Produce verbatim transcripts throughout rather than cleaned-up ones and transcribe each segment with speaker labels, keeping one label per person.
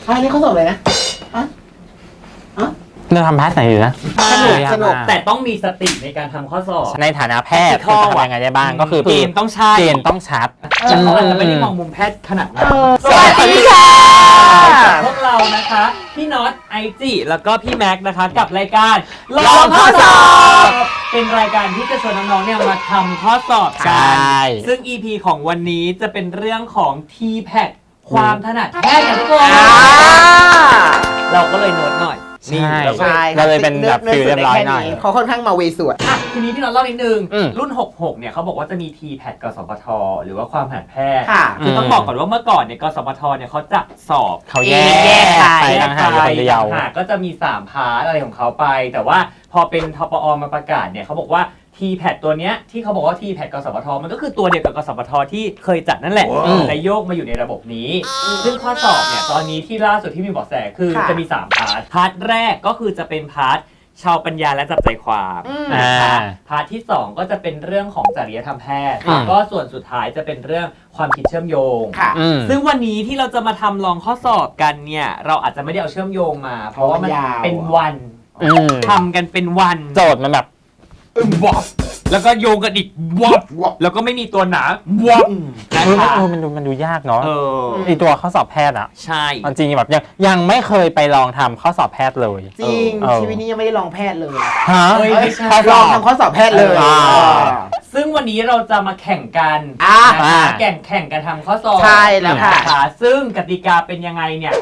Speaker 1: อันนี้เขาสอบเลยนะอ่ะอ่ะ
Speaker 2: เราทำพาร์ทไหนอยู่นะ
Speaker 3: สนุกสนุกแต่ต้องมีสติในการทำข้อสอบ
Speaker 2: ในฐานะแพทย์จะทำยังไงได้บ้างก็คือ
Speaker 3: เกณฑ์ต้องใช่
Speaker 2: เกณฑ์ต้องชัด
Speaker 3: แต่เขาอาจจะไม่ได้มองมุมแพทย์ขนาดนั้น
Speaker 1: สวัสดีค่ะ
Speaker 3: พวกเรานะคะพี่น็อตไอจิแล้วก็พี่แม็กนะคะกับรายการลองข้อสอบเป็นรายการที่จะชวนน้องๆเนี่ยมาทำข้อสอบกันซึ่ง อี พี ของวันนี้จะเป็นเรื่องของ ที แพท ความถนัดแพทย์กันทุกคนเราก็เลยโน้ตหน่อย
Speaker 2: ใช่เราเลยเป็นแบบฟิลเรียบร้อยหน่อย
Speaker 1: เขาค่อนข้างมาเวสวด
Speaker 3: อ่ะทีนี้พี่น้องเล่านิดนึงรุ่นหกสิบหกเนี่ยเขาบอกว่าจะมี ที แพท กสพทหรือว่าความถนัดแพทย์คือต้องบอกก่อนว่าเมื่อก่อนเนี่ยกสพทเนี่ยเขาจะสอบ
Speaker 2: เขาแยกไปต่างหากคนเดียว
Speaker 3: ก็จะมีสามพาร์ทอะไรของเขาไปแต่ว่าพอเป็นทปอมาประกาศเนี่ยเขาบอกว่า ที แพท ตัวเนี้ยที่เขาบอกว่า ที แพท กสพทมันก็คือตัวเดียวกับกสพทที่เคยจัดนั่นแหละแต่โยกมาอยู่ในระบบนี้ซึ่งข้อสอบเนี่ยตอนนี้ที่ล่าสุดที่มีเบาะแสคือจะมีสามพาร์ทพาร์ทแรกก็คือจะเป็นพาร์ทชาวปัญญาและจับใจความนะคะพาร์ทที่สองก็จะเป็นเรื่องของจริยธรรมแพทย์ก็ส่วนสุดท้ายจะเป็นเรื่องความคิดเชื่อมโยงซึ่งวันนี้ที่เราจะมาทำลองข้อสอบกันเนี่ยเราอาจจะไม่ได้เอาเชื่อมโยงมาเพราะว่ามันเป็นวันทำกันเป็นวัน
Speaker 2: โจทย์มันแบบ
Speaker 3: วับแล้วก็โยงกันอีกวับแล้วก็ไม่มีตัวหนาวับ
Speaker 2: นะคะมันดูมันดูยากเนาะไอตัวข้อสอบแพทย์อ่ะ
Speaker 3: ใช่
Speaker 2: จริงแบบยังยังไม่เคยไปลองทำข้อสอบแพทย์เลย
Speaker 1: จริงชีวิตนี้ยังไม่ได้ลองแพทย์เลย
Speaker 2: ฮะ
Speaker 1: ลองทำข้อสอบแพทย์เลย
Speaker 3: ซึ่งวันนี้เราจะมาแข่งกันแข่งแข่งกันทำข้อสอบ
Speaker 1: ใช่แล้วค่ะ
Speaker 3: ซึ่งกติกาเป็นยังไงเนี่ย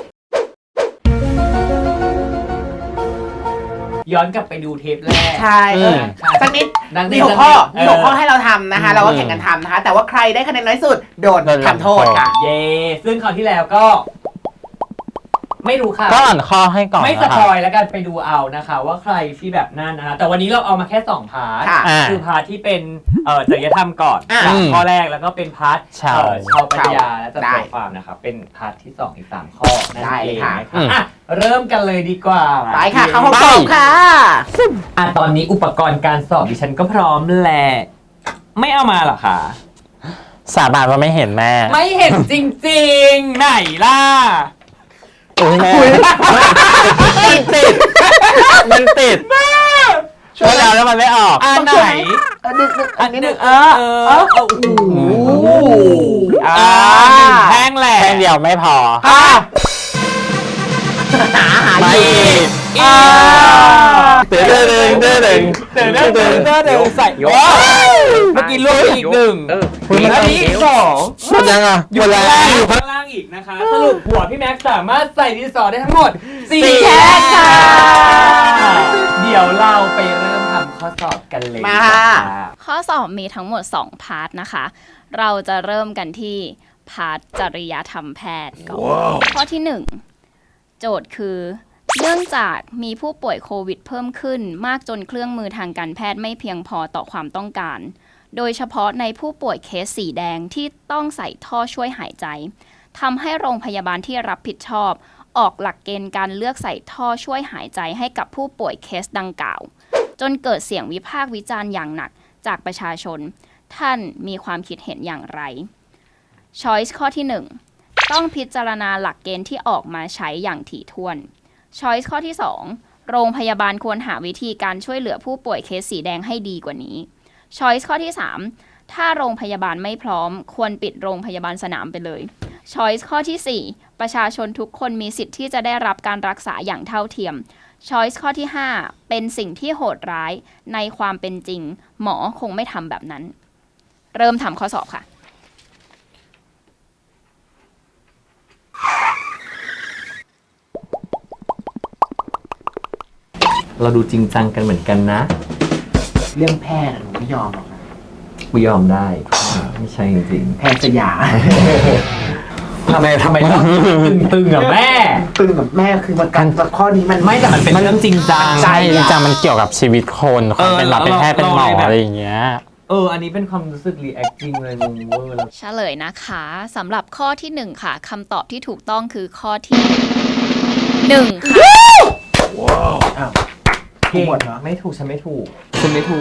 Speaker 3: ย้อนกลับไปดูเทปแรก
Speaker 1: ใช่สักนิดมีหกข้อมีหกข้อให้เราทำนะคะเราก็แข่งกันทำนะคะแต่ว่าใครได้คะแนนน้อยสุดโดนทำโทษค่ะ
Speaker 3: เย้ซึ่งคราวที่แล้วก็ไม่รู้ค่ะ
Speaker 2: ก็อ่านข้อให้ก่อน
Speaker 3: ไม่สปอยแล้วกันไปดูเอานะคะว่าใครที่แบบนั่นนะคะแต่วันนี้เราเอามาแค่สองพาร์ทคือพาร์ทที่เป็นจริยธรรมก่อนข้อแรกแล้วก็เป็นพาร์ทชาวปัญญาและจับใจความนะครับเป็นพาร์ทที่สองอีกสามข้อนั่นเองนะคะเริ่มกันเลยดีกว่า
Speaker 1: ไปค่ะเข้าห้องสอบค่ะ
Speaker 3: อ่ะตอนนี้อุปกรณ์การสอบดิฉันก็พร้อมแหละไม่เอามาหรอคะ
Speaker 2: สาบานว่าไม่เห็นแม่
Speaker 3: ไม่เห็นจริงๆไหนล่ะ
Speaker 2: โอ้ยแม่มันติดมันติดแม่ช่วยแล้วแล้วมันไม่ออก
Speaker 3: อันไหน
Speaker 1: อันนึงอันนี้นึงเออ
Speaker 3: เออโอ้โหอ่าแห้งแหละ
Speaker 2: แห้งเดียวไม่พอ
Speaker 1: หาหา
Speaker 2: ไม่เต๋อเต๋อเต๋อเต๋อเต๋อ
Speaker 3: เต๋อเต๋อเต๋อเต๋อเต๋อใส่เมื่อกี้ลงอีกหนึ่งอันนี้อีกสอง
Speaker 2: หมดยังอ่ะ
Speaker 3: อยู่ข้างล่างอยู่ข้างล่างอีกนะคะสรุปหัวพี่แม็กซ์สามารถใส่ดินสอได้ทั้งหมดสี่แท่งค่ะเดี๋ยวเราไปเริ่มทำข้อสอบกันเลย
Speaker 1: มา
Speaker 4: ข้อสอบมีทั้งหมดสองพาร์ทนะคะเราจะเริ่มกันที่พาร์ทจริยธรรมแพทย์ก่อน wow. ข้อที่หนึ่งโจทย์คือเนื่องจากมีผู้ป่วยโควิดเพิ่มขึ้นมากจนเครื่องมือทางการแพทย์ไม่เพียงพอต่อความต้องการโดยเฉพาะในผู้ป่วยเคสสีแดงที่ต้องใส่ท่อช่วยหายใจทำให้โรงพยาบาลที่รับผิดชอบออกหลักเกณฑ์การเลือกใส่ท่อช่วยหายใจให้กับผู้ป่วยเคสดังกล่าวจนเกิดเสียงวิพากษ์วิจารณ์อย่างหนักจากประชาชนท่านมีความคิดเห็นอย่างไร Choice ข้อที่หนึ่งต้องพิจารณาหลักเกณฑ์ที่ออกมาใช้อย่างถี่ถ้วน Choice ข้อที่สองโรงพยาบาลควรหาวิธีการช่วยเหลือผู้ป่วยเคสสีแดงให้ดีกว่านี้ Choice ข้อที่สามถ้าโรงพยาบาลไม่พร้อมควรปิดโรงพยาบาลสนามไปเลย Choice ข้อที่สี่ประชาชนทุกคนมีสิทธิ์ที่จะได้รับการรักษาอย่างเท่าเทียม Choice ข้อที่ห้าเป็นสิ่งที่โหดร้ายในความเป็นจริงหมอคงไม่ทำแบบนั้นเริ่มทำข้อสอบค่ะ
Speaker 3: เราดูจริงจังกันเหมือนกันนะ
Speaker 1: เรื่องแพทย์ผมไม่ยอมหรอกนะ
Speaker 3: ไม่ยอมได้ไม่ใช่จริง
Speaker 1: ๆแพทย์สยาม
Speaker 3: ทำไมทำไมต้องตึงๆกับแม่
Speaker 1: ตึงกับแม่คือมันการข้อนี้มัน
Speaker 3: ไม่แต่มันเป็นเรื่องจริงจัง
Speaker 2: ใช่จริงจังมันเกี่ยวกับชีวิตคนคนเป็นแบบเป็นแพทย์เป็นหมออะไรอย่างเงี้ย
Speaker 3: เอออันนี้เป็นความรู้สึกรีแอคจริงเลยงงเวอร์แล้ว
Speaker 4: เฉลยนะคะสำหรับข้อที่หนึ่งค่ะคำตอบที่ถูกต้องคือข้อที่หนึ่งค่ะ
Speaker 3: ว้าวอ้าวถูกหมดเหรอไม่ถูกฉันไม่ถูกฉันไม่ถูก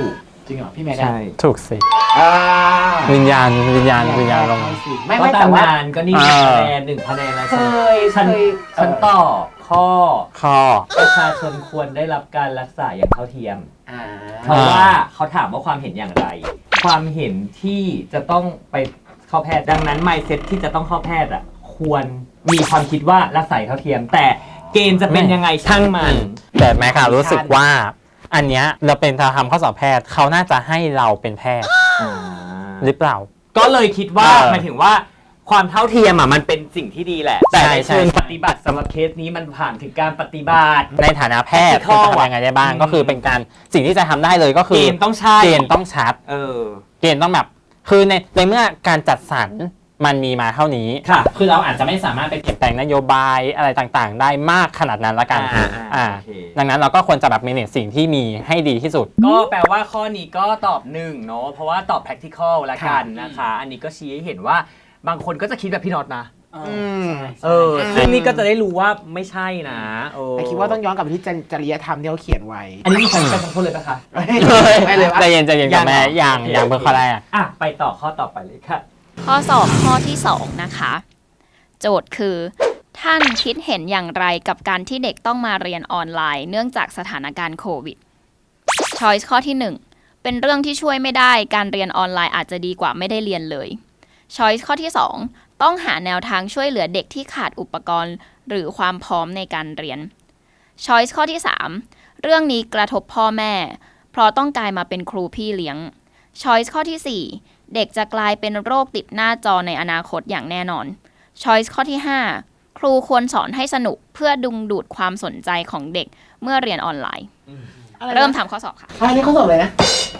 Speaker 1: จริงเหรอพี่แม่ได้
Speaker 3: ใช่
Speaker 2: ถูกสิ
Speaker 1: อ่า
Speaker 2: วิญญาณวิญญาณวิญญาณลง
Speaker 1: ไม่
Speaker 3: ก็
Speaker 1: ไม่
Speaker 3: ตา
Speaker 1: แต่
Speaker 3: ม
Speaker 1: ว่า
Speaker 3: งานก็นี่
Speaker 2: เอ
Speaker 3: หนึ่ง
Speaker 2: อ
Speaker 3: คะแนนหนึ่งคะแนนแล้ว
Speaker 1: เค
Speaker 3: ฉัน
Speaker 1: ยเค
Speaker 3: ฉัน
Speaker 1: ย
Speaker 3: ฉัน
Speaker 1: เอ่อ
Speaker 3: ต่อข้อ
Speaker 2: ข้อ
Speaker 3: ประชาชนควรได้รับการรักษาอย่างเท่าเทียม
Speaker 1: อ่า
Speaker 3: เพราะว่าเขาถามว่าความเห็นอย่างไร ความเห็นที่จะต้องไปเข้าแพทย์ดังนั้น mindset ที่จะต้องเข้าแพทย์อ่ะควรมีความคิดว่ารักษาอย่างเท่าเทียม แต่เกณฑ์จะเป็นยังไงช่างมัน
Speaker 2: แต่แม่ค่ะรู้สึกว่า อันเนี้ยเราเป็นทำข้อสอบแพทย์เขาน่าจะให้เราเป็นแพทย์หรือเปล่า
Speaker 3: ก็เลยคิดว่า
Speaker 2: เออ
Speaker 3: หมายถึงว่าความเท่าเทียมอ่ะมันเป็นสิ่งที่ดีแหละ แต่ใน
Speaker 2: ใช่ใช่
Speaker 3: เชิงปฏิบัติสำหรับเคสนี้มันผ่านถึงการปฏิบัติ
Speaker 2: ในฐานะแพทย์
Speaker 3: ข้อ
Speaker 2: จะทำยังไงได้บ้าง
Speaker 3: อืม
Speaker 2: ก็คือเป็นการสิ่งที่จะทำได้เลยก็คื
Speaker 3: เก
Speaker 2: อ
Speaker 3: ณฑ์ต้องใช่
Speaker 2: เกณฑ์ต้องชัด
Speaker 3: เออ
Speaker 2: เกณฑ์ต้องแบบ คือในในเมื่อการจัดสรรมันมีมาเท่านี้
Speaker 3: ค่ะ
Speaker 2: คือเราอาจจะไม่สามารถไปเปลี่ยนแปลงนโยบายอะไรต่างๆ ได้มากขนาดนั้นละกัน
Speaker 3: อ่าอ่า
Speaker 2: อ่า
Speaker 3: โอเค
Speaker 2: ดังนั้นเราก็ควรจะแบบ manage สิ่งที่มีให้ดีที่สุด
Speaker 3: ก็แปลว่าข้อนี้ก็ตอบหนึ่งเนาะเพราะว่าตอบ practical ละกันนะคะ อันนี้ก็ชี้ให้เห็นว่าบางคนก็จะคิดแบบพี่น็อตนะ
Speaker 1: อืม
Speaker 3: เออซึ่งนี่ก็จะได้รู้ว่าไม่ใช่นะเออ
Speaker 1: แต่คิดว่าต้องย้อนกลับไปที่จริยธรรมที่เขาเขียนไว้
Speaker 3: อันนี้มีใครไปขอโทษเลยปะคะ
Speaker 1: ไม่เลยว่า
Speaker 2: ใจเย็นใจเย็นกับแม่อย่างอย่างเบอร์ข้อแรก
Speaker 3: อ่ะไปต่อข้อต่อไปเลยค่ะ
Speaker 4: ข้อสอบข้อที่สองนะคะ โจทย์คือ ท่านคิดเห็นอย่างไรกับการที่เด็กต้องมาเรียนออนไลน์เนื่องจากสถานการณ์โควิด Choice ข้อที่หนึ่งเป็นเรื่องที่ช่วยไม่ได้การเรียนออนไลน์อาจจะดีกว่าไม่ได้เรียนเลย Choice ข้อที่สองต้องหาแนวทางช่วยเหลือเด็กที่ขาดอุปกรณ์หรือความพร้อมในการเรียน Choice ข้อที่สามเรื่องนี้กระทบพ่อแม่ เพราะต้องกลายมาเป็นครูพี่เลี้ยง Choice ข้อที่สี่เด็กจะกลายเป็นโรคติดหน้าจอในอนาคตอย่างแน่นอน Choice ข้อที่ห้าครูควรสอนให้สนุกเพื่อดึงดูดความสนใจของเด็กเมื่อเรียนออนไลน์ เริ่มทำข้อสอบค่ะ
Speaker 1: อันนี้เขาสอบเลยนะ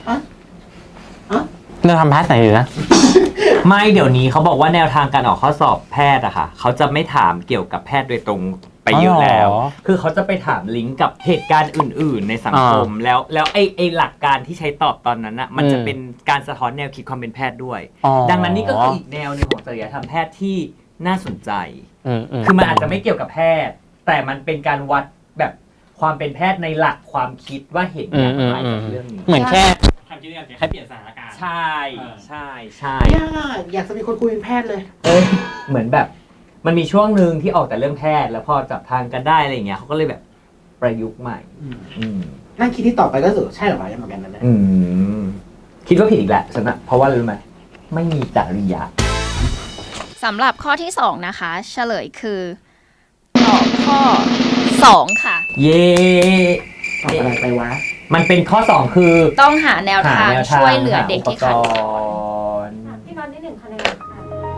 Speaker 2: เราทำพาร์ทไหนอยู่นะ
Speaker 3: ไม่เดี๋ยวนี้เขาบอกว่าแนวทางการออกข้อสอบแพทย์อะค่ะเขาจะไม่ถามเกี่ยวกับแพทย์โดยตรงไปเยอะแล้ว
Speaker 2: อ๋อ
Speaker 3: คือเขาจะไปถามลิงก์กับเหตุการณ์อื่น ๆ ในสังคม แล้วแล้วไอ้ไอ้หลักการที่ใช้ตอบตอนนั้นอะมันจะ
Speaker 2: อืม
Speaker 3: เป็นการสะท้อนแนวคิดความเป็นแพทย์ด้วย
Speaker 2: อ๋อ
Speaker 3: ดังนั้นนี่ก็คืออีกแนวหนึงของจริยธรรมแพทย์ที่น่าสนใจ
Speaker 2: อืมม
Speaker 3: คือมันอาจจะไม่เกี่ยวกับแพทย์ แต่มันเป็นการวัดแบบความเป็นแพทย์ในหลักความคิดว่าเห็นอย่างไรกับเรื่องนี้
Speaker 2: เหมือนแค่ทำกิจกรรมแค่เปลี่ยนสถานการณ์
Speaker 3: ใช่ใช่ใช่
Speaker 1: ยากอยากจะมีคนคุยเป็นแพทย์เลย
Speaker 3: เอ้ยเหมือนแบบมันมีช่วงหนึ่งที่ออกแต่เรื่องแพทย์ แล้วพอจับทางกันได้อะไรอย่างเงี้ยเขาก็เลยแบบประยุกต์ใหม่ อืม
Speaker 1: นั่งคิดที่ต่อไปก็รู้สึกใช่เหรอวะยังเหมือนกันนั่นแหละ
Speaker 3: อืมคิดว่าผิดอีกแหละฉันอะเพราะว่าอะไรรู้ไหมไม่มีจริยา
Speaker 4: สำหรับข้อที่สองนะคะ เฉลยคือตอบข้อสองค่ะ
Speaker 3: เย่
Speaker 1: ตอบอะไรไปวะ
Speaker 3: มันเป็นข้อสองคือ
Speaker 4: ต้องหาแนว
Speaker 3: หา
Speaker 4: ทาง
Speaker 3: แนวทาง
Speaker 4: ช่วยเหลือเด็กที่ขาด
Speaker 3: หา
Speaker 4: อุ
Speaker 3: อุ
Speaker 4: ป
Speaker 3: ป
Speaker 4: ก
Speaker 3: ก
Speaker 4: รณ์
Speaker 3: รณ์
Speaker 5: พี่น็อตได้หนึ่งคะแนนค่ะ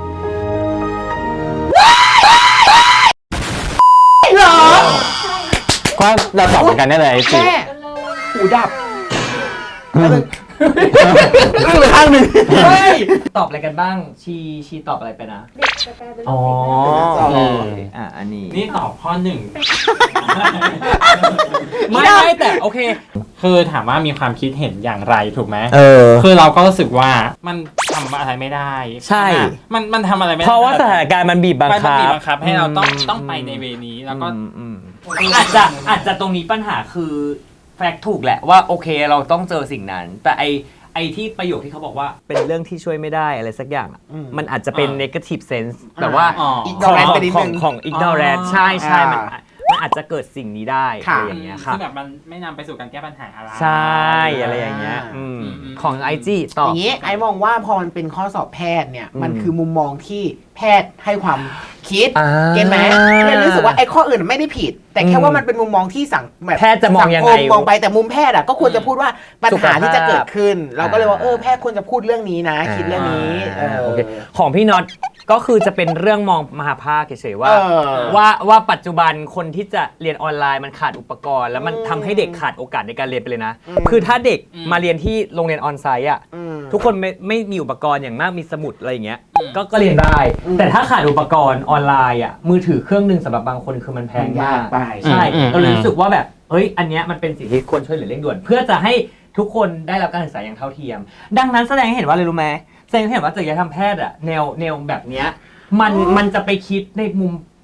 Speaker 1: เหรอ
Speaker 2: ก็เราตอบเหมือนกันได้เลยสิ
Speaker 1: แม่
Speaker 5: กันเลย
Speaker 1: หูดับแล้วมึงอึ้งไปข้างหนึ่งเฮ้ย
Speaker 3: ตอบอะไรกันบ้าง ชีชีตอบอะไรไปนะ
Speaker 5: เด็กจะกลายเป็น
Speaker 3: อ๋อ
Speaker 1: อ๋อ
Speaker 3: อ่ะอันนี้
Speaker 2: นี่ตอบข้อหนึ่ง
Speaker 3: ไม่ไม่แต่โอเค
Speaker 2: คือถามว่ามีความคิดเห็นอย่างไรถูกไหม
Speaker 3: เออ
Speaker 2: คือเราก็รู้สึกว่ามันทำอะไรไม่ได้
Speaker 3: ใช่
Speaker 2: มันมันทำอะไรไม่ได้
Speaker 3: เพราะว่าสถานการณ์มันบีบบัง
Speaker 2: มัน
Speaker 3: คับ
Speaker 2: บีบบังคับให้เราต้อง
Speaker 3: อืม
Speaker 2: ต้องไปในเวนี้แล้วก็
Speaker 3: อืมอืมอาจจะอาจจะตรงนี้ปัญหาคือแฟกต์ถูกแหละว่าโอเคเราต้องเจอสิ่งนั้น แต่ไอไอที่ประโยคที่เขาบอกว่าเป็นเรื่องที่ช่วยไม่ได้อะไรสักอย่างอะ
Speaker 1: อืม
Speaker 3: มันอาจจะเป็น
Speaker 2: อ่า
Speaker 3: negative sense แบบว่า
Speaker 2: อ๋อ
Speaker 1: อีก
Speaker 3: ของ
Speaker 1: ignorant ไปนิด
Speaker 3: ข
Speaker 1: นึ
Speaker 3: อง
Speaker 1: ง
Speaker 3: ของ ignorant
Speaker 2: อ๋อ
Speaker 3: ใช่ใช่มัน
Speaker 1: อ่า
Speaker 3: มันอาจจะเกิดสิ่งนี้ได้อะ
Speaker 1: ค่ะ
Speaker 3: ไรอย่างเงี้ยครับ
Speaker 2: ซึ่งแบบมันไม่นำไปสู่การแก้ปัญหาอะไร
Speaker 3: ใช่อะไรอย่างเงี้ยอืม
Speaker 2: อืมอืม
Speaker 3: ของไอจีตอบ
Speaker 1: อย่างนี้ไอ้มองว่าพอมันเป็นข้อสอบแพทย์เนี่ย
Speaker 3: อืม
Speaker 1: มันคือมุมมองที่แพทย์ให้ความคิด
Speaker 3: อ่า
Speaker 1: เก็ตไหมเลยรู้สึกว่าไอ้ข้ออื่นไม่ได้ผิด แต่แค่
Speaker 3: อืม
Speaker 1: ว่ามันเป็นมุมมองที่สังแบบ
Speaker 3: แพทย์จะมองยังไง
Speaker 1: สัคมมองไปแต่มุมแพทย์อ่ะก็ควรจะพูดว่าปัญหาที่จะเกิดขึ้น เราก็เลยว่า
Speaker 3: อ่า
Speaker 1: เออแพทย์ควรจะพูดเรื่องนี้นะ คิดเรื่องนี้เออ
Speaker 3: โอเคของพี่น็อตก็คือจะเป็นเรื่องมองมหาภาคเฉยๆว่า
Speaker 1: เออ
Speaker 3: ว่าว่าปัจจุบันคนที่จะเรียนออนไลน์มันขาดอุปกรณ์ แล้วมัน
Speaker 1: อืม
Speaker 3: ทำให้เด็กขาดโอกาสในการเรียนไปเลยนะ
Speaker 1: อืม
Speaker 3: คือถ้าเด็ก
Speaker 2: อืม
Speaker 3: มาเรียนที่โรงเรียนออนไซต์อ่ะ
Speaker 1: อืม
Speaker 3: ทุกคนไม่ไม่มีอุปกรณ์อย่างมากมีสมุดอะไรอย่างเงี้ย
Speaker 2: อืม
Speaker 3: ก็ก็เรียนได้
Speaker 1: อืม
Speaker 3: แต่ถ้าขาดอุปกรณ์ออนไลน์อ่ะมือถือเครื่องหนึ่งสำหรับบางคนคือมันแพงมาก
Speaker 1: ไป
Speaker 3: ใช่
Speaker 2: อืม
Speaker 3: เราเลย
Speaker 2: อืม
Speaker 3: รู้สึกว่าแบบเฮ้ยอันเนี้ยมันเป็นสิ่งที่ควรช่วยเหลือเร่งด่วน เพื่อจะให้ทุกคนได้รับการศึกษาอย่างเท่าเทียม ดังนั้นแสดงให้เห็นว่าอะไรรู้ไหมแสดงให้เห็นว่าจริยธรรมแพทย์อะแนวแนวแบบเนี้ยมันมันจะไปคิดในมุม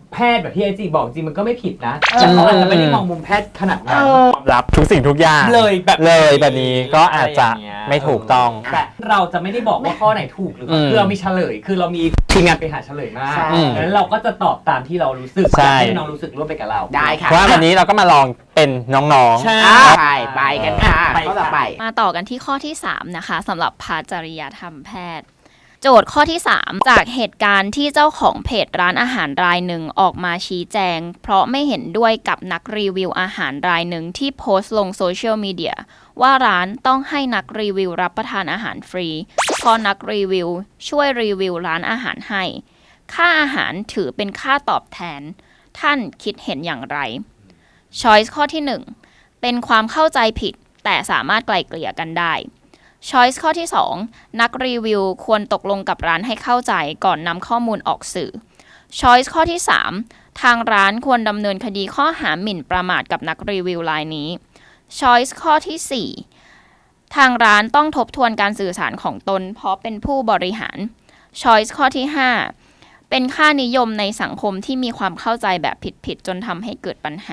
Speaker 3: แพทย์แบบที่ไอจีบอกจริงมันก็ไม่ผิดนะแต่เขาอาจจะไม่ได้มองมุมแพทย์ขนาดนั้น
Speaker 2: รับทุกสิ่งทุกอย่าง
Speaker 3: เลยแบบ
Speaker 2: เลยแบบนี้ก็อาจจะ
Speaker 3: ไรย่งเงี้ย
Speaker 2: ไม่ถูกต้อง
Speaker 3: แต่เราจะไม่ได้บอกว่าข้อไหนถูกหรือเปล่า
Speaker 2: อืม
Speaker 3: คือเรามีเฉลย คือเรามีทีมงานไปหาเฉลยมา
Speaker 1: ใช่
Speaker 3: ดังนั้นเราก็จะตอบตามที่เรารู้สึก
Speaker 2: ใช่
Speaker 3: ให้น้องรู้สึกร่วมไปกับเรา
Speaker 1: ได้ค่ะ
Speaker 2: ว่าวันนี้เราก็มาลองเป็นน้องๆ
Speaker 3: ใช่
Speaker 1: อ่าใช่ไปกันค่ะ
Speaker 3: ไป
Speaker 1: ข้อต่อไป
Speaker 4: มาต่อกันที่ข้อที่สามนะคะสำหรับพาร์ทจริยธรรมแพทย์ โจทย์ข้อที่สามจากเหตุการณ์ที่เจ้าของเพจร้านอาหารรายหนึ่งออกมาชี้แจง เพราะไม่เห็นด้วยกับนักรีวิวอาหารรายหนึ่งที่โพสต์ลงโซเชียลมีเดียว่าร้านต้องให้นักรีวิวรับประทานอาหารฟรีเพราะนักรีวิวช่วยรีวิวร้านอาหารให้ค่าอาหารถือเป็นค่าตอบแทนท่านคิดเห็นอย่างไร Choice ข้อที่หนึ่งเป็นความเข้าใจผิดแต่สามารถไกล่เกลี่ยกันได้ Choice ข้อที่สองนักรีวิวควรตกลงกับร้านให้เข้าใจก่อนนำข้อมูลออกสื่อ Choice ข้อที่สามทางร้านควรดำเนินคดีข้อหาหมิ่นประมาทกับนักรีวิวรายนี้ Choice ข้อที่สี่ทางร้านต้องทบทวนการสื่อสารของตนเพราะเป็นผู้บริหาร Choice ข้อที่ห้าเป็นค่านิยมในสังคมที่มีความเข้าใจแบบผิดๆจนทำให้เกิดปัญหา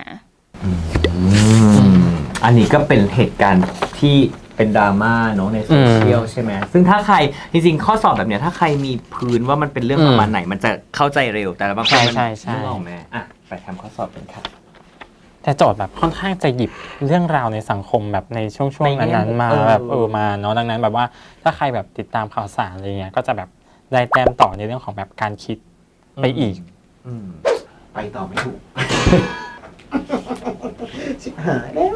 Speaker 3: อันนี้ก็เป็นเหตุการณ์ที่เป็นดราม่าเนาะในโซเชียลใช่ไหมซึ่งถ้าใครจริงๆข้อสอบแบบเนี้ยถ้าใครมีพื้นว่ามันเป็นเรื่องประมาณไหนมันจะเข้าใจเร็วแต่บางคนมัน
Speaker 2: ใช่ใช่ใช่
Speaker 3: ไม่ออกไหมอ่ะไปทำข้อสอบกันครับ
Speaker 2: แต่โจทย์แบบค่อนข้างจะหยิบเรื่องราวในสังคมแบบในช่วงช่วง
Speaker 3: ในแง่
Speaker 2: นั้นๆมา
Speaker 3: เออ
Speaker 2: แบบเออมาเนาะดังนั้นแบบว่าถ้าใครแบบติดตามข่าวสารอะไรเงี้ยก็จะแบบได้แต้มต่อในเรื่องของแบบการคิดไปอีก
Speaker 3: อืม
Speaker 1: ไปต่อไม่ถูก ชิบหายแล้ว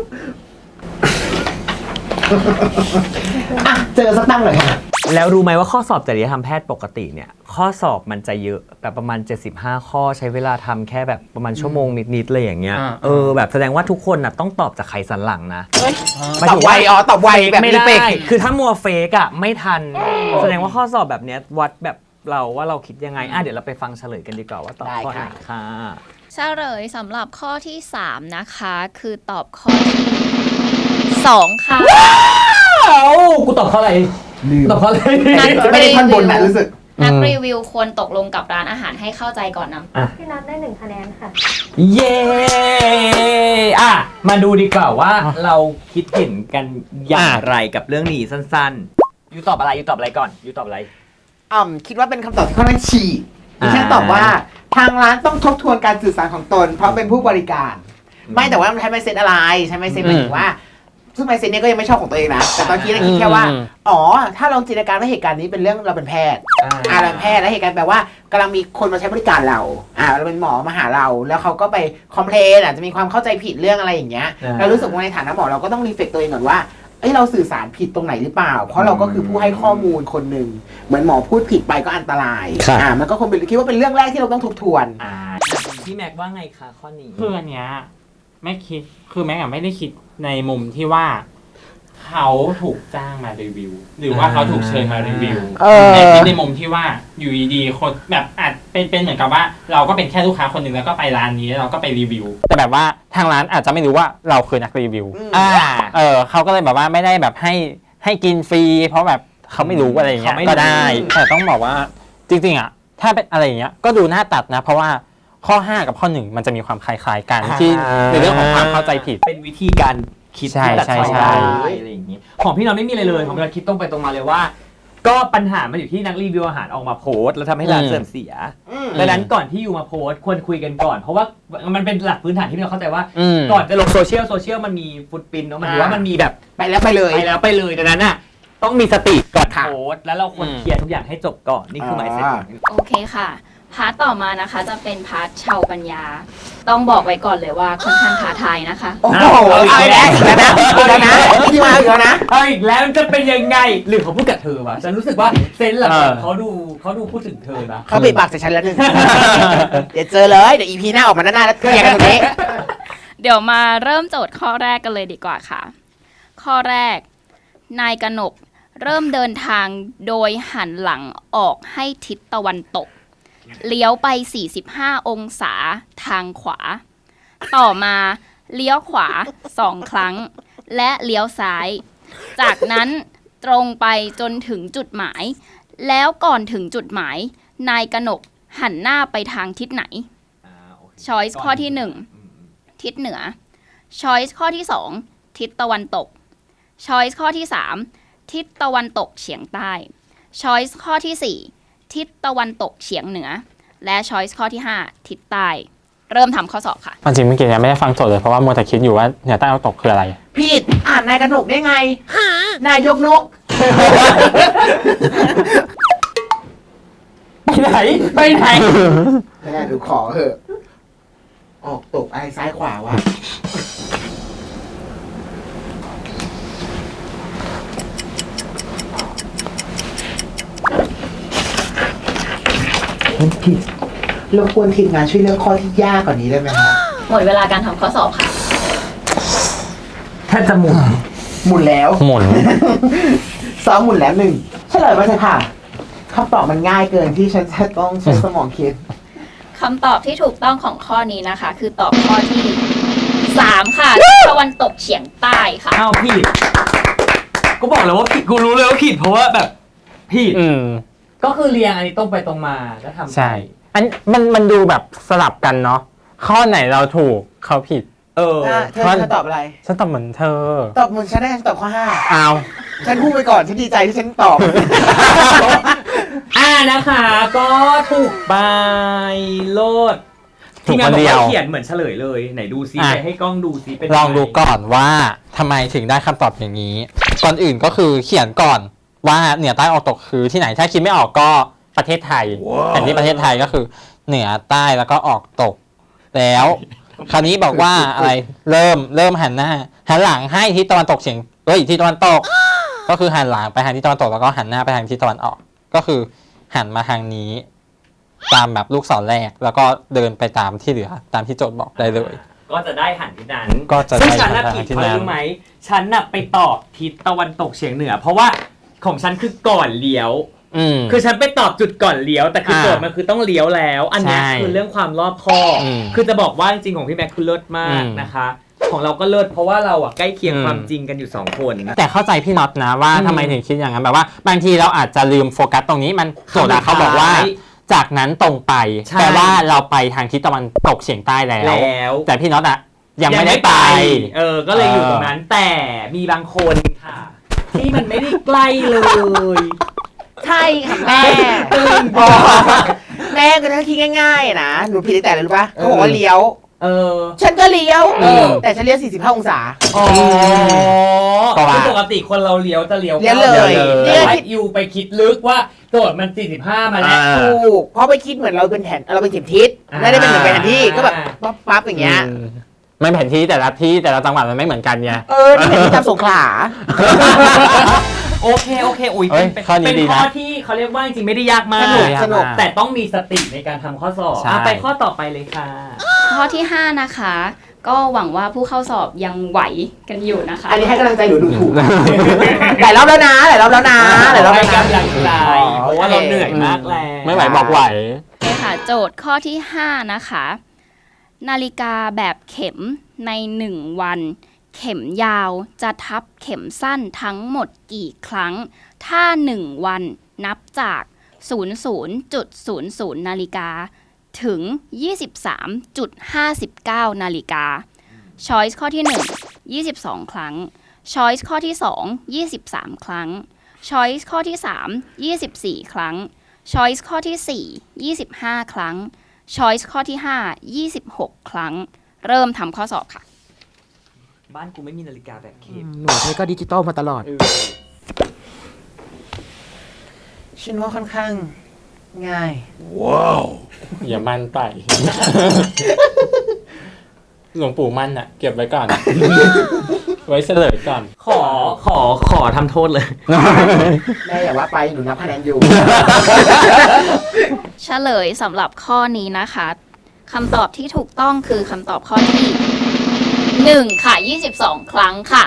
Speaker 1: อ่ะ เจอสักตั้งหน่อยค่ะ
Speaker 3: แล้วรู้ไหมว่าข้อสอบจริยธรรมแพทย์ปกติเนี่ยข้อสอบมันจะเยอะแบบประมาณเจ็ดสิบห้าข้อใช้เวลาทำแค่แบบประมาณชั่วโมงนิดๆเลยอย่างเงี้ย
Speaker 2: อ่า
Speaker 3: เออแบบแสดงว่าทุกคนน่ะต้องตอบจากไขสันหลังนะ
Speaker 1: ตอบไวอ๋อตอบไวแบบ
Speaker 3: ไม่
Speaker 1: รี
Speaker 3: ได้
Speaker 1: เฟก
Speaker 3: คือถ้ามัวเฟกอ่ะไม่ทัน แสดงว่าข้อสอบแบบเนี้ยวัดแบบเราว่าเราคิดยังไงอ่ะเดี๋ยวเราไปฟังเฉลยกันดีกว่าว่าตอบข้อไหนค่ะ
Speaker 4: เฉลยสำหรับข้อที่สามนะคะคือตอบข้อที่สองค่ะ
Speaker 3: เอ้ากูตอบข้ออะไรตอบข้ออะไร
Speaker 4: นัก
Speaker 1: ไม่ได้ท่อนบนนะรู้สึก
Speaker 4: นักรีวิวควรตกลงกับร้านอาหารให้เข้าใจก่อนนำ
Speaker 5: พี่นัทได้หนึ่งคะแนนค่ะ
Speaker 3: เย้อ่ะมาดูดีกว่าว่าเราคิดเห็นกันอย่างไรกับเรื่องนี้สั้นๆยูตอบอะไรยูตอบอะไรก่อนยูตอบอะไร
Speaker 1: อ่ำคิดว่าเป็นคำตอบที่ค่อนข้างฉีกดิฉัน
Speaker 3: อ่า
Speaker 1: ตอบว่าทางร้านต้องทบทวนการสื่อสารของตน เพราะเป็นผู้บริการ ไม่แต่ว่ามันใช้ไมเซ็ตอะไรใช้ไมเซ็ตหมายถึงว่าซึ่งไมเซ็ตเนี้ยก็ยังไม่ชอบของตัวเองนะแต่ตอนนี้เราคิดแค่ว่า
Speaker 2: อืม
Speaker 1: อ๋อถ้าลองจินตนาการว่าเหตุการณ์นี้เป็นเรื่องเราเป็นแพทย์ อ่าเราเป็นแพทย์แล้วเหตุการณ์แปลว่ากำลังมีคนมาใช้บริการเรา อ่าเราเป็นหมอมาหาเรา แล้วเขาก็ไปคอมเพลนอาจจะมีความเข้าใจผิดเรื่องอะไรอย่างเงี้ย
Speaker 3: อ่า
Speaker 1: เรารู้สึกว่าในฐานะหมอเราก็ต้องรีเฟกตัวเองก่อนว่าเอ้ยเราสื่อสารผิดตรงไหนหรือเปล่า เพราะเราก็คือผู้ให้ข้อมูลคนหนึ่งเหมือนหมอพูดผิดไปก็อันตราย
Speaker 3: ครับ
Speaker 1: อ่ามันก็คงเป็นคิดว่าเป็นเรื่องแรกที่เราต้องทบทวน
Speaker 3: อ่าพี่แม็กว่าไงคะข้อนี้
Speaker 2: คืออันเนี้ยแม่คิดคือแม่อะไม่ได้คิดในมุมที่ว่า เขาถูกจ้างมารีวิว หรือว่าเขาถูกเชิญมารีวิว
Speaker 1: เออ
Speaker 2: แต่คิดในมุมที่ว่าอยู่ดีๆคนแบบอาจเป็นเป็นเหมือนกับว่า เราก็เป็นแค่ลูกค้าคนหนึ่งแล้วก็ไปร้านนี้แล้วเราก็ไปรีวิว แต่แบบว่าทางร้านอาจจะไม่รู้ว่าเราคือนักรีวิว
Speaker 1: อืม
Speaker 3: อ่า
Speaker 2: เออเขาก็เลยแบบว่าไม่ได้แบบให้ให้กินฟรี เพราะแบบเขาไม่รู้อะไรอย่างเงี้ย
Speaker 3: เขาไม่รู้
Speaker 2: ก็ได้ แต่ต้องบอกว่าจริงๆอ่ะถ้าเป็นอะไรอย่างเงี้ยก็ดูน่าตัดนะ เพราะว่าข้อห้ากับข้อหนึ่งมันจะมีความคล้ายๆกันที่ในเรื่องของความเข้าใจผิด
Speaker 3: เป็นวิธีการคิด
Speaker 2: ใช่
Speaker 3: ที่ตัด
Speaker 2: ใช่
Speaker 3: สิน
Speaker 2: ใช่
Speaker 3: ได้อะไรอย่างนี้ของพี่เราไม่มีอะไรเลยของเราคิดตรงไปตรงมาเลยว่า ก็ปัญหามันอยู่ที่นักรีวิวอาหารออกมาโพสต์แล้วทำให้ร้าน
Speaker 2: อืม
Speaker 3: เสื่อมเสีย
Speaker 1: อืม
Speaker 3: ดังนั้นก่อนที่อยู่มาโพสต์ควรคุยกันก่อน เพราะว่ามันเป็นหลักพื้นฐานที่เราเข้าใจว่า
Speaker 2: อืม
Speaker 3: ก่อนจะลงโซเชียลโซเชียลมันมีฟุตปรินท์เนาะมันถือว่ามันมีแบบ
Speaker 1: ไปแล้วไปเลย
Speaker 3: ไปแล้วไปเลยดังนั้นน่ะต้องมีสติก่อน
Speaker 1: ค่ะ
Speaker 3: โพสต์แล้วเราควร
Speaker 2: อืม
Speaker 3: เคลียร์ทุกอย่างให้จบก่อนนี่คือหมายเซ็ต
Speaker 1: อ่า
Speaker 4: โอเคค่ะ พาร์ทต่อมานะคะจะเป็นพาร์ทชาวปัญญา ต้องบอกไว้ก่อนเลยว่าค่อนข้างท้าทายนะคะ
Speaker 1: โอ้โหเอาอีกแล้วอีกแล้วนะอีกแล้วนะที่มาอีกแล้วนะ
Speaker 3: เอาอีกแล้วมันจะเป็นยังไงหรือเขาพูดกับเธอวะฉันรู้สึกว่าเซนส์หลัง
Speaker 2: เออ
Speaker 3: ๆเขาดูเขาดูพูดถึงเธอนะ
Speaker 1: เขาปิดปากใส่ฉันแล้วหนึ่ง เดี๋ยวเจอเลยเดี๋ยวอีพีหน้าออกมาหน้าๆแล้วเคลียร์กันตรงนี้
Speaker 4: เดี๋ยวมาเริ่มโจทย์ข้อแรกกันเลยดีกว่าค่ะ ข้อแรก นายกนกเริ่มเดินทางโดยหันหลังออกให้ทิศตะวันตก เลี้ยวไป สี่สิบห้า องศาทางขวา ต่อมาเลี้ยวขวาสองครั้ง และเลี้ยวซ้าย จากนั้นตรงไปจนถึงจุดหมาย แล้วก่อนถึงจุดหมาย นายกนกหันหน้าไปทางทิศไหน
Speaker 3: อ่าโ
Speaker 4: Choice ข้อที่ หนึ่ง ทิศเหนือ Choice ข้อที่ สอง ทิศตะวันตก Choice ข้อที่ สาม ทิศตะวันตกเฉียงใต้ Choice ข้อที่ สี่ ทิศตะวันตกเฉียงเหนือ และ Choice ข้อที่ ห้า ทิศใต้ เริ่มทำข้อสอบค่ะ
Speaker 2: จริงเมื่อกี้ยังไม่ได้ฟังโจทย์เลยเพราะว่ามัวแต่คิดอยู่ว่าเหนือใต้ออกตกคืออะไร
Speaker 1: ผิดอ่านนายกระหนกได้ไงนายกนก
Speaker 3: ไปไหน ไปไหน
Speaker 1: ไม่ได้ดูขอเถอะออกตกอะไรซ้ายขวาวะผิดรบกวนทีมงานช่วยเลือกข้อที่ยากกว่านี้ได้ไหมครับ
Speaker 4: หมดเวลาการทำข้อสอบค่ะ
Speaker 3: แทบจะหมุน
Speaker 1: หมุนแล้ว
Speaker 2: หมุน
Speaker 1: ซ้อมหมุนแล้วหนึ่งเฉลยมาเลยค่ะคำตอบมันง่ายเกินที่ฉันจะต้องใช้สมองคิด
Speaker 4: คำตอบที่ถูกต้องของข้อนี้นะคะ คือตอบข้อที่ สาม ค่ะทิศตะวันตกเฉียงใต้ค่ะ
Speaker 3: อ้าวผิดกูบอกเลยว่าผิดกูรู้เลยว่าผิดเพราะว่าแบบผิด
Speaker 2: อืม
Speaker 3: ก็คือเรียงอันนี้ตรงไปตรงมาแล้วทำไป
Speaker 2: ใช่ อันมันมันดูแบบสลับกันเนาะข้อไหนเราถูกเขาผิด
Speaker 3: เออ
Speaker 1: อ่ะเธอเธอตอบอะไร
Speaker 2: ฉันตอบเหมือนเธอ
Speaker 1: ตอบเหมือนฉันได้ฉันตอบข้อห้า
Speaker 2: เอา
Speaker 1: ฉันพูดไปก่อนฉันดีใจที่ฉันตอบ
Speaker 3: อ่านะคะ ก็ถูกไปโลด
Speaker 2: ถูก
Speaker 3: ที่งา
Speaker 2: คน น
Speaker 3: บอก
Speaker 2: เดียว
Speaker 3: ว่าเขียนเหมือนเฉลยเลย ไหนดูซิ
Speaker 2: อ่ะ
Speaker 3: ไปให้กล้องดูซิเป็น
Speaker 2: ลองดู
Speaker 3: ยัไ
Speaker 2: ก่อนว่าทำไมถึงได้คำตอบอย่างนี้ ก่อนอื่นก็คือเขียนก่อนว่าเหนือใต้ออกตกคือที่ไหนถ้าคิดไม่ออกก็ประเทศไทยแผนที่ประเทศไทยก็คือเหนือใต้แล้วก็ออกตก แล้ว คราวนี้บอกว่าอะไรเริ่มเริ่มหันหน้าหันหลังให้ทิศตะวันตกเฉียงเอ้ยทิศตะวันตก ก็คือหันหลังไปทางทิศตะวันตกแล้วก็หันหน้าไปทางทิศตะวันออก ก็คือหันมาทางนี้ ตามแบบลูกศรแรกแล้วก็เดินไปตามที่เหลือตามที่โจทย์บอกได้เลย
Speaker 3: ก็จะได้หันทิศนั้น
Speaker 2: ก็จะ
Speaker 3: ซึ่ง
Speaker 2: ได้
Speaker 3: ฉันน่ะ
Speaker 2: หัน
Speaker 3: ผิด
Speaker 2: ทิศ
Speaker 3: เพราะ
Speaker 2: นั้น
Speaker 3: รู้ไหมฉันน่ะไปตอบทิศตะวันตกเฉียงเหนือ เพราะว่าของฉันคือก่อนเลี้ยว
Speaker 2: อืม
Speaker 3: คือฉันไปตอบจุดก่อนเลี้ยวแต่คือ
Speaker 2: อ่า
Speaker 3: โจทย์มันคือต้องเลี้ยวแล้ว อันเนี้ย
Speaker 2: ใช่
Speaker 3: คือเรื่องความรอบคอบ
Speaker 2: อืม
Speaker 3: คือจะบอกว่าจริงๆของพี่แม็กคือเลิศมาก
Speaker 2: อืม
Speaker 3: นะคะ ของเราก็เลิศเพราะว่าเราอ่ะใกล้เคียง
Speaker 2: อืม
Speaker 3: ความจริงกันอยู่สองคน
Speaker 2: แต่เข้าใจพี่น็อตนะว่า
Speaker 3: อืม
Speaker 2: ทำไมถึงคิดอย่างนั้นแบบว่า บางทีเราอาจจะลืมโฟกัสตรงนี้มันโจทย์อะเขาบอกว่า จากนั้นตรงไป
Speaker 3: ใช่
Speaker 2: แปลว่าเราไปทางทิศตะวันตกเฉียงใต้แล้ว
Speaker 3: แล้ว
Speaker 2: แต่พี่น็อตอะยังไม่ได้ไป
Speaker 3: เออ ก็เลยอยู่ตรงนั้น แต่มีบางคนค่ะ ที่มันไม่ได้ใกล้เลย
Speaker 1: ใช่ค่ะแม่บอกแม่ก็ทั้งคิดง่ายๆนะหนูผิดตั้งแต่เลยรู้ปะเขาบอกว่าเลี้ยว
Speaker 3: เออ
Speaker 1: ฉันก็เลี้ยว
Speaker 2: เออ
Speaker 1: แต่ฉันเลี้ยวสี่สิบห้าองศา
Speaker 3: อ๋อ
Speaker 2: ก็ว่า
Speaker 3: คือปกติคนเราเลี้ยวจะเลี้ยว
Speaker 1: เลี้ยวเลย
Speaker 3: แต่ว่าอยู่ไปคิดลึกว่าโจทย์มันสี่สิบห้ามาแล้ว
Speaker 2: อ่า
Speaker 1: ถูกเพราะไปคิดเหมือนเราเป็นแผนเราเป็นเข็มทิศ
Speaker 3: อ่า
Speaker 1: ไม่ได้เป็นเหมือนแผนที่ก็แบบปั๊บปั๊บอย่างเงี้ย
Speaker 2: อืมไม่แผนที่แต่ละที่แต่ละจังหวัดมันไม่เหมือนกันไง
Speaker 1: เออนี่แผนที่จำสงขลา
Speaker 3: โอเคโอเคอุ้ย
Speaker 2: เอ้ย
Speaker 3: เป็น
Speaker 2: ข้อนี้
Speaker 3: เป็น
Speaker 2: ดีนะ
Speaker 3: ข้อที่เขาเรียกว่าจริงๆไม่ได้ยากมา
Speaker 1: ส
Speaker 3: ก
Speaker 1: นุกสนุก
Speaker 3: แต่ต้องมีสติในการทำข้อสอบ
Speaker 2: ใช่
Speaker 3: อ่ะไปข้อต่อไปเลยค่ะ
Speaker 4: ข้อที่ ห้า นะคะ ก็หวังว่าผู้เข้าสอบยังไหวกันอยู่นะคะ
Speaker 1: อันนี้ให้กำลังใจหนูดูถูกหลายรอบแล้วนะหลายรอบแล้วนะหลายรอบ
Speaker 3: ให้
Speaker 1: แล้วนะ
Speaker 3: กำลังใจเพราะว่าเราเหนื่อยมากแล้ว
Speaker 2: ไม่ไหวบอกไหว
Speaker 4: โอเคค่ะ โจทย์ข้อที่ ห้า นะคะ นาฬิกาแบบเข็มในหนึ่งวัน เข็มยาวจะทับเข็มสั้นทั้งหมดกี่ครั้ง ถ้าหนึ่งวันนับจาก ศูนย์ ศูนย์ จุด ศูนย์ ศูนย์ นาฬิกา ถึง ยี่สิบสาม จุด ห้าสิบเก้า นาฬิกา Choice ข้อที่ หนึ่ง ยี่สิบสอง ครั้ง Choice ข้อที่ สอง ยี่สิบสาม ครั้ง Choice ข้อที่ สาม ยี่สิบสี่ ครั้ง Choice ข้อที่ สี่ ยี่สิบห้า ครั้ง Choice ข้อที่ ห้า ยี่สิบหก ครั้ง เริ่มทำข้อสอบค่ะ
Speaker 3: บ้านกูไม่มีนาฬิกาแบบเข็ม
Speaker 1: หนูใช้ก็ดิจิตอลมาตลอด
Speaker 3: เออ
Speaker 1: ฉันว่าค่อนข้างง่าย
Speaker 2: อย่ามั่นไป หลวงปู่มั่นอะเก็บไว้ก่อน ไว้เฉลยก่อน
Speaker 3: ขอขอขอทำโทษเลย
Speaker 1: แม่อย่าว่าไปหนูนับคะแนนอยู่
Speaker 4: เฉลยสำหรับข้อนี้นะคะคำตอบที่ถูกต้องคือคำตอบข้อที่ หนึ่ง ค่ะ ยี่สิบสอง ครั้งค่ะ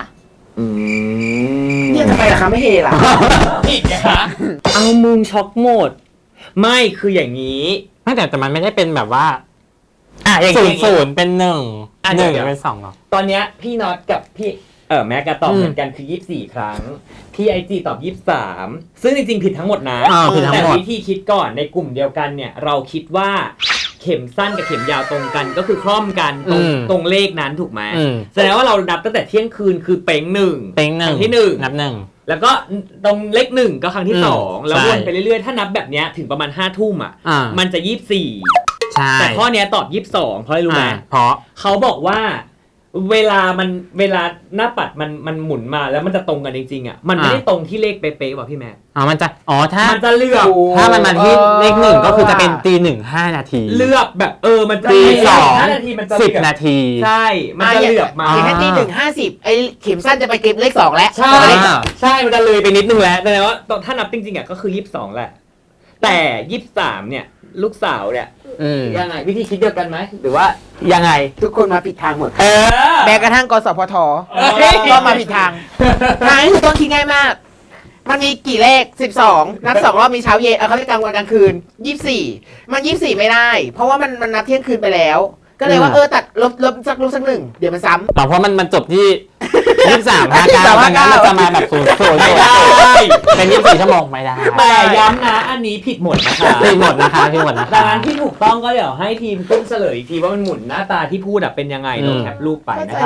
Speaker 1: เนี่ยทำไมล่ะคะไม่เฮล่ะ
Speaker 3: ผิดนะคะ เอามึงช็อกหมด ไม่คืออย่างนี้
Speaker 2: ไม่แต่แต่มันไม่ได้เป็นแบบว่า
Speaker 3: อ่ะอย่าง
Speaker 2: ศูน
Speaker 3: นี้
Speaker 2: ย์ศูนย์เป็นหนึ่ง
Speaker 3: อ่ะ
Speaker 2: ห
Speaker 3: เดี๋ยว
Speaker 2: นึ่ง
Speaker 3: เดี๋ยว
Speaker 2: เป็นสองหรอ
Speaker 3: ตอนเนี้ยพี่น็อตกับพี่เออแม็กกะตอบ
Speaker 2: อืม
Speaker 3: เหมือนกันคือยี่สิบสี่ครั้ง ที่ไอจีตอบยี่สิบสามซึ่งจริงๆผิดทั้งหมดนะ
Speaker 2: อ่าผิดทั้งหมด
Speaker 3: แต่วิธีคิดก่อนในกลุ่มเดียวกันเนี่ย เราคิดว่าเข็มสั้นกับเข็มยาวตรงกันก็คือคล่อมกันตรง
Speaker 2: อืม
Speaker 3: ตรงเลขนั้นถูกไหม
Speaker 2: อืม
Speaker 3: แสดงว่าเรานับตั้งแต่เที่ยงคืนคือเป้งหนึ่ง
Speaker 2: เต็งหนึ่
Speaker 3: ค
Speaker 2: ง
Speaker 3: รั้งที่หนึ่ง
Speaker 2: นับหนึ่ง
Speaker 3: แล้วก็ตรงเลขหนึ่งก็ครั้งที่
Speaker 2: อืม
Speaker 3: สองแล้ว
Speaker 2: ใช่
Speaker 3: วนไปเรื่อยๆถ้านับแบบเนี้ยถึงประมาณห้าทุ่มอ่ะ
Speaker 2: อ่า
Speaker 3: มันจะยี่สิบสี่
Speaker 2: ใช่
Speaker 3: แต่ข้อเนี้ยตอบยี่สิบสองเพราะอะไรรู้ไหม
Speaker 2: อ่าเพราะ
Speaker 3: เขาบอกว่าเวลามันเวลาหน้าปัดมันมันหมุนมาแล้วมันจะตรงกันจริงๆอ่ะมันไม่ได้ตรงที่เลขเป๊ะๆว่ะพี่แม่
Speaker 2: อ๋อมันจะอ๋อถ้า
Speaker 3: มันจะเลือก
Speaker 2: ถ้ามันมาที่เลขหนึ่งก็คือจะเป็นตีหนึ่งห้านาที
Speaker 3: เลือกแบบเออมันจะ
Speaker 2: ตีสอง
Speaker 3: ห้านาทีมันจะ
Speaker 2: สิบ
Speaker 3: เลือก
Speaker 2: นาที
Speaker 3: ใช่มันจะเลือกมา
Speaker 2: อ่
Speaker 1: เข็มแค่ตีหนึ่งห้าสิบไอ้เข็มสั้นจะไปเก็บเลขสองแล้ว
Speaker 3: ใช่
Speaker 2: อ่า
Speaker 3: ใช่มันจะเลยไปนิดนึงแล้วแต่ว่าถ้านับจริงๆอ่ะก็คือยี่สิบสองแหละแต่ยี่สิบสามเนี่ยลูกสาวเนี่ย
Speaker 2: อืม
Speaker 3: ยังไงวิธีคิดเดียวกันไหมหรือว่ายังไง
Speaker 1: ทุกคนมาผิดทางหมด
Speaker 3: เออ
Speaker 1: แม้กระทั่งกสพท
Speaker 3: เอ้ย
Speaker 1: ก็มาผิดทางทางที่ถูกต้องคิดง่ายมาก มันมีกี่เลขสิบสองนับสองรอบมีเช้าเย็นเอาเขาเรียกกลางวันกลางคืนยี่สิบสี่มันยี่สิบสี่ไม่ได้ เพราะว่ามันมันนับเที่ยงคืนไปแล้ว ก็เลยว่า
Speaker 2: อืม
Speaker 1: เออตัดลบลบสักลบสักหนึ่งเดี๋ยวมันซ้ำ
Speaker 2: แต่เพราะมันมันจบที่ยี่สิบสามห้าเก้า
Speaker 1: ยี่สิบสาม
Speaker 2: ดังนั้น
Speaker 1: ห้าเก้า
Speaker 2: เราจะมาแบบศูนย์ศูนย์
Speaker 3: ไม่ได้
Speaker 2: เป็นยี่สิบสี่ชั่วโมงไม่ได้
Speaker 3: แต่ย้ำนะอันนี้ผิดหมดนะคะ
Speaker 2: ผิดหมดนะคะผิดหมดนะคะ
Speaker 3: ดังนั้นที่ถูกต้องก็เดี๋ยวให้ทีมขึ้นเฉลยอีกทีว่ามันหมุนหน้าตาที่พูดอะเป็นยังไง
Speaker 2: อืม
Speaker 3: เราแคปรูปไปนะคะ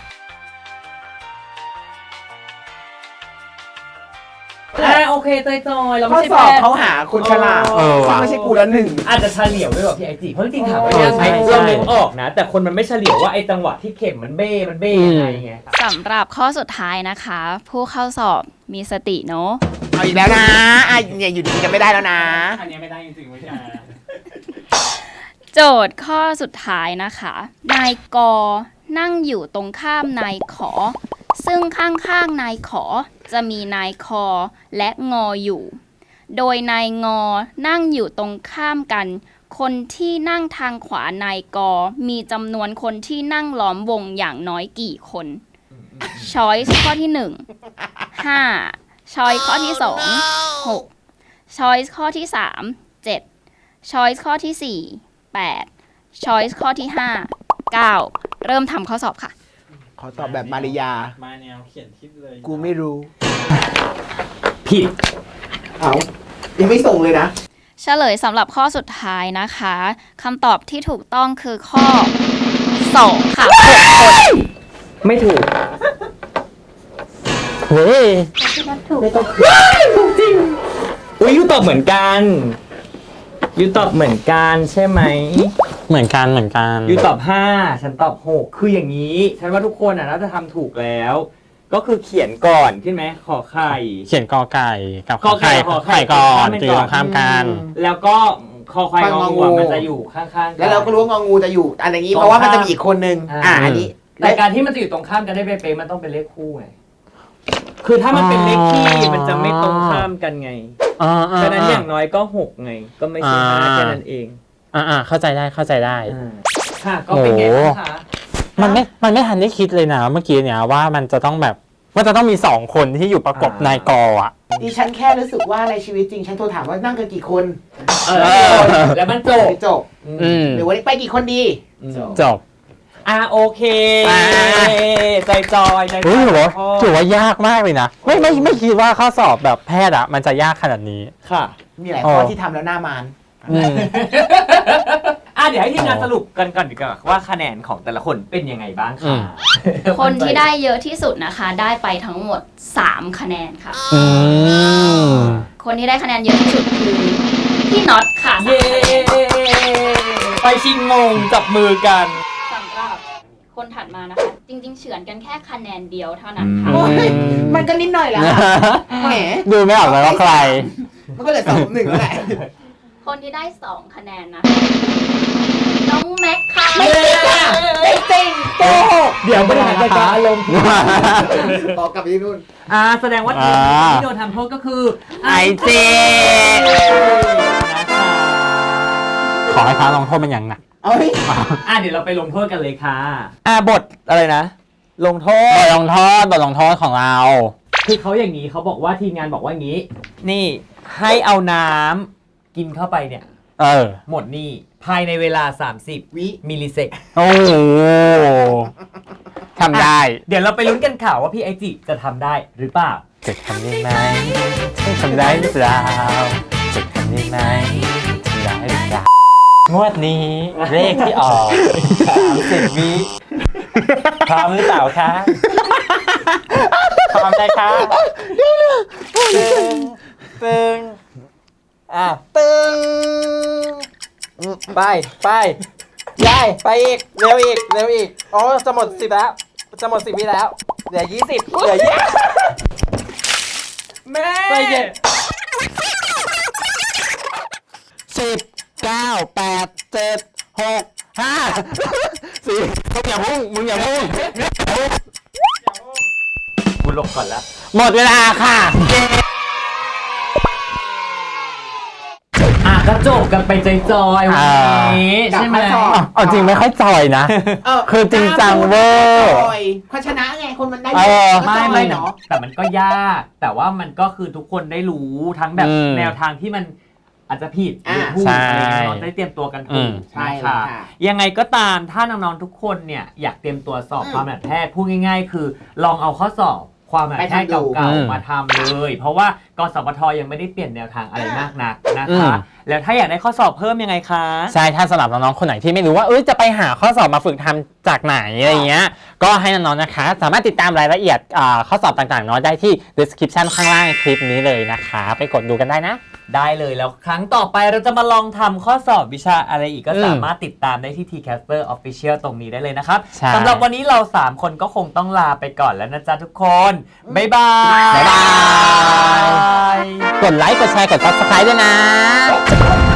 Speaker 3: อ่าโอเคจอยๆเรา
Speaker 1: ข้อ
Speaker 3: ไม่ใช่
Speaker 1: สอบ
Speaker 3: แพทย์
Speaker 1: เขาหาคนฉลาด
Speaker 2: เออว่ะ
Speaker 1: ซึ่งไม่ใช่กูละหนึ่ง
Speaker 3: อาจจะเฉลี่ยวด้วยว่ะพี่ไอจีเพราะจริงๆถามว่า
Speaker 2: เออ
Speaker 3: ยังไง
Speaker 2: ใช่ใช่
Speaker 3: เรานึกออกนะ แต่คนมันไม่เฉลี่ยวว่าไอ้จังหวะที่เข็มมันเบ้มันเบ้ยังไงไง
Speaker 4: สำหรับข้อสุดท้ายนะคะ ผู้เข้าสอบมีสติเนาะ
Speaker 1: เอาอีกแล้วนะอ่ะเนี่ยอยู่ดีๆกันไม่ได้แล้วนะ
Speaker 2: อันนี้ไม่ได้จริงๆไม่ใช่
Speaker 4: โจทย์ข้อสุดท้ายนะคะ นายกนั่งอยู่ตรงข้ามนายขอ ซึ่งข้างๆนายขอจะมีนายคอและงออยู่ โดยนายงอนั่งอยู่ตรงข้ามกัน คนที่นั่งทางขวานายกมีจำนวนคนที่นั่งล้อมวงอย่างน้อยกี่คนช้อยส์ข้อที่หนึ่ง ห้าช้อยส์ข้อที่สอง หกช้อยส์ข้อที่สาม เจ็ดช้อยส์ข้อที่สี่ แปดช้อยส์ข้อที่ห้า เก้าเริ่มทำข้อสอบค่ะ
Speaker 1: ขอตอบแบบมาริยา
Speaker 2: มาแนวเขียนทิปเลย
Speaker 1: กูไม่รู้
Speaker 3: ผิด
Speaker 1: เอายังไม่ส่งเลยนะ
Speaker 4: เฉลยสำหรับข้อสุดท้ายนะคะคำตอบที่ถูกต้องคือข้อ สอง ค่ะหกคน
Speaker 3: ไม่ถูก
Speaker 2: เฮ้ย
Speaker 3: อุ้ยยูตอบเหมือนกันยูตอบเหมือนกันใช่ไหม
Speaker 2: เหมือนกันเหมือนกัน
Speaker 3: ยูตอบห้าฉันตอบหกคืออย่างนี้ ฉันว่าทุกคนอ่ะน่าจะทำถูกแล้ว ก็คือเขียนก่อนใช่ไหมขอไข่
Speaker 2: เขียนกอไก่กับ
Speaker 3: กอไก่
Speaker 2: ขอ
Speaker 3: ขอไข่
Speaker 2: ไข่ก่อน
Speaker 3: ข้ามไป
Speaker 2: จือ
Speaker 3: ก่
Speaker 2: ต
Speaker 3: อน
Speaker 2: รงข้ามกัน
Speaker 3: แล้วก็คอควาย
Speaker 1: ควาย
Speaker 3: ง
Speaker 1: ง
Speaker 3: อ
Speaker 1: องู
Speaker 3: งูอะมันจะอยู่ข้างๆ
Speaker 1: แล้วเราก็รู้ว่างองูจะอยู่อะไรอย่างนี้
Speaker 3: ตรง
Speaker 1: เพราะว่ามัน
Speaker 3: ข้าม
Speaker 1: จะมีอีกคนนึง
Speaker 3: อ่า
Speaker 1: อ่าอันนี้
Speaker 3: แต่การที่มันจะอยู่ตรงข้ามกันได้เป๊ะๆมันต้องเป็นเลขคู่ไงคือถ้ามันเป็นเลขที่มันจะไม่ตรงข้ามกันไง
Speaker 2: อ่าอ่า
Speaker 3: ฉะนั้นอย่างน้อยก็หกไง ก็ไม่ใช่ห้า
Speaker 2: อ่า
Speaker 3: แค่นั้นเอง
Speaker 2: อ่าอ่าเข้าใจได้เข้าใจได้
Speaker 3: อ่าค่ะก็เป็นไงบ้างคะ
Speaker 2: มันไม่ มันไม่ทันได้คิดเลยนะเมื่อกี้เนี่ยว่ามันจะต้องแบบว่าจะต้องมีสองคนที่อยู่ประกบนายกออ่ะ
Speaker 1: ดิฉันแค่รู้สึกว่าในชีวิตจริงฉันโทรถามว่านั่งกันกี่คน
Speaker 3: เออแล้วมันจบ
Speaker 1: ไม่จบ
Speaker 2: อืม
Speaker 1: หรือวันนี้ไปกี่คนดี
Speaker 2: จบ
Speaker 3: อ่าโอเค
Speaker 2: อ่า
Speaker 3: ใจจอยใจจ
Speaker 2: เฮ้ย
Speaker 3: อย
Speaker 2: ถือว่า
Speaker 3: พ่อ
Speaker 2: ถือว่ายากมากเลยนะไม่ไม่ไม่คิดว่าข้อสอบแบบแพทย์อะมันจะยากขนาดนี้
Speaker 3: ค่ะ
Speaker 1: มีหลาย
Speaker 2: อ๋
Speaker 1: ข้อ
Speaker 2: อ
Speaker 1: ที่ทำแล้วหน้ามาน
Speaker 2: อืม
Speaker 3: อ่ะเดี๋ยวให้ทีมงานสรุปกันก่อนดีกว่าว่าคะแนนของแต่ละคนเป็นยังไงบ้าง
Speaker 2: อื
Speaker 3: ค่ะ
Speaker 2: ม
Speaker 4: คนที่ได้เยอะที่สุดนะคะ ได้ไปทั้งหมด สาม คะแนนค่ะ
Speaker 2: อืม
Speaker 4: คนที่ได้คะแนนเยอะที่สุดคือพี่น็อตค่ะ
Speaker 3: เย้ไปชิงงงจับมือกัน
Speaker 4: สำหรับคนถัดมานะคะ จริงๆ เฉือนกันแค่คะแนนเดียวเท่านั้นค่ะ
Speaker 1: โอ้ยมันก็นิดหน่อยแหละแหม
Speaker 2: ดูไม่ออกเลยว่าใคร
Speaker 1: มันก็เหลือสองหนึ่งแล้วแหละ
Speaker 4: คนที่ได้ สอง คะแนนนะคะน้องแม็กค่ะ
Speaker 1: ไม่จริงอ่ะไม่จริงโกหก
Speaker 3: เดี๋ยวบริหารจัดการอารมณ์
Speaker 1: ขอกลับไปที่นู่น
Speaker 3: อ่าแสดงว่าทีม
Speaker 2: อ่า
Speaker 3: ที่โดนทำโทษก็คือ
Speaker 2: ไอเจ
Speaker 3: นะคะ
Speaker 2: ขอให้พระลงโทษมันอย่างหนัก
Speaker 1: เอ้ย
Speaker 3: อ่ะเดี๋ยวเราไปลงโทษกันเลยค่ะอ่าบทอะไรนะ ลงโท
Speaker 2: บ
Speaker 3: ษ
Speaker 2: ทลงโทษบทลงโทษของเรา
Speaker 3: คือเขาอย่างนี้เขาบอกว่าทีมงานบอกว่าอย่างนี้ นี่ให้เอาน้ำกินเข้าไปเนี่ย
Speaker 2: เออ
Speaker 3: หมดนี่ภายในเวลา สามสิบ
Speaker 1: วิ
Speaker 3: มิลลิเซก
Speaker 2: โอ้โหทำได้
Speaker 3: เดี๋ยวเราไปลุ้นกันข่าวว่าพี่ไอจิจะทำได้หรือเปล่า
Speaker 2: จะทำได้ไหมจะทำได้หรือเปล่าจะทำได้ไหมทำได้หรือเปล่างวดนี้เลขที่ออกสามสิบวิพร้อมหรือเปล่าคะพร้อมได้ค่ะตึงตึงอ่ะตึงไปไปยายไปอีกเร็วอีกเร็วอีกอ๋อจะหมดสิบแล้วจะหมดสิบวิแล้วเหลือยี่สิบเหลือยี่
Speaker 3: แม่
Speaker 2: ไปเย็นสิบเก้าแปดเจ็ดหกห้าสี่มึงอย่าพุ่งมึงอย่าพุ่ง
Speaker 3: กูลงก่อนละ
Speaker 2: หมดเวลาค่ะ
Speaker 3: อ่ะก็จบกันไปจอยๆวันนี้
Speaker 1: อ่า
Speaker 3: ใช่ไหม
Speaker 1: กลับมาสอบ
Speaker 2: เอาจริงไม่ค่อยจอยนะ
Speaker 1: เออ
Speaker 2: คือจริงจังเวอร์
Speaker 1: เพราะชนะไงคนมันได้
Speaker 2: เออ
Speaker 1: ก็
Speaker 3: ไม่
Speaker 1: จอย
Speaker 3: ไม่
Speaker 1: เนาะ
Speaker 3: แต่มันก็ยาก แต่ว่ามันก็คือทุกคนได้รู้ทั้งแบบ
Speaker 2: อืม
Speaker 3: แนวทางที่มันอาจจะผิดหรือ
Speaker 1: อ่า
Speaker 3: ถูก
Speaker 2: ใช่
Speaker 3: อะไรอย่างเงี้ยเราได้เตรียมตัวกัน
Speaker 2: อื
Speaker 3: ถู
Speaker 2: ม
Speaker 3: ก
Speaker 1: ใช่
Speaker 3: นะ
Speaker 1: เลย
Speaker 3: คะ
Speaker 1: ค่ะ
Speaker 3: ยังไงก็ตามถ้าน้องๆทุกคนเนี่ยอยากเตรียมตัวสอบ
Speaker 1: อืม
Speaker 3: ความแบบแพทย์พูดง่ายๆ คือลองเอาข้อสอบความแบบแพทย์
Speaker 1: ไปทำดู
Speaker 3: เก่า
Speaker 2: อืม
Speaker 3: ๆมาทำเลย เพราะว่ากสพทยังไม่ได้เปลี่ยนแนวทางอะไรมากนักนะ
Speaker 2: อื
Speaker 3: คะ
Speaker 2: ม
Speaker 3: แล้วถ้าอยากได้ข้อสอบเพิ่มยังไงคะ
Speaker 2: ใช่ถ้าสำหรับน้องๆคนไหนที่ไม่รู้ว่าเอ้ยจะไปหาข้อสอบมาฝึกทำจากไหนอะไรเงี้ยก็ให้น้องๆนะคะ สามารถติดตามรายละเอียดอ่าข้อสอบต่างๆเนาะได้ที่ description ข้างล่างคลิปนี้เลยนะคะ ไปกดดูกันได้นะ
Speaker 3: ได้เลยแล้วครั้งต่อไปเราจะมาลองทำข้อสอบวิชาอะไรอีกก็
Speaker 2: อืม
Speaker 3: สามารถติดตามได้ที่ ที-Caster Official ตรงนี้ได้เลยนะครับ
Speaker 2: ใช่
Speaker 3: สำหรับวันนี้เรา สาม คนก็คงต้องลาไปก่อนแล้วนะจ๊ะทุกคน บ๊ายบาย
Speaker 2: บ๊ายบาย กดไลค์ กดแชร์ กด subscribe ด้วยนะ